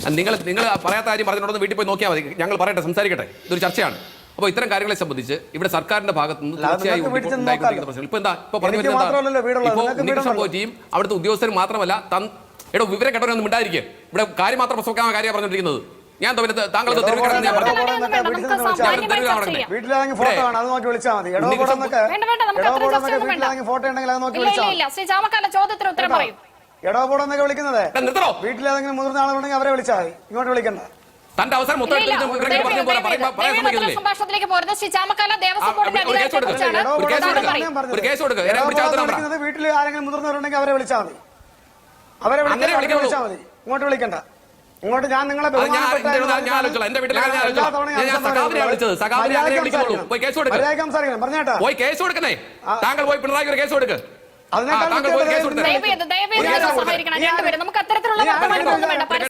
നിങ്ങൾ പറയാത്ത കാര്യം പറഞ്ഞിട്ടുണ്ടെന്ന് വീട്ടിൽ പോയി നോക്കിയാൽ മതി. ഞങ്ങൾ പറയട്ടെ, സംസാരിക്കട്ടെ. ഇതൊരു ചർച്ചയാണ്. അപ്പോൾ ഇത്തരം കാര്യങ്ങളെ സംബന്ധിച്ച് ഇവിടെ സർക്കാരിന്റെ ഭാഗത്ത് നിന്ന് തീർച്ചയായും ഉണ്ടായിക്കൊണ്ടിരിക്കുന്ന പ്രശ്നങ്ങൾ ഇപ്പൊ എന്താ ഇപ്പൊ പറഞ്ഞു വരുന്നത് സംഭവം ടീം അവിടുത്തെ ഉദ്യോഗസ്ഥരും മാത്രമല്ല വിവരം കേട്ടവരൊന്നും ഉണ്ടായിരിക്കും. ഇവിടെ കാര്യം മാത്രം പ്രസവിക്കാൻ കാര്യം പറഞ്ഞിരിക്കുന്നത്. ഞാൻ താങ്കൾ വീട്ടിലേതെങ്കിലും മുതിർന്ന ആളുകളുണ്ടെങ്കിൽ അവരെ വിളിച്ചാൽ മതി, ഇങ്ങോട്ട് വിളിക്കണ്ട. തന്റെ അവസരം വീട്ടിൽ ആരെങ്കിലും മുതിർന്നവരുണ്ടെങ്കിൽ അവരെ വിളിച്ചാൽ മതി, അവരെ വിളിച്ചാൽ മതി, ഇങ്ങോട്ട് വിളിക്കണ്ട. ഇങ്ങോട്ട് ഞാൻ നിങ്ങളെ പറഞ്ഞേട്ടാ പോയി കേസ് കൊടുക്കണേ. താങ്കൾ പോയി പിണറായി കേസ് കൊടുക്ക്. നമുക്ക് അത്തരത്തിലുള്ള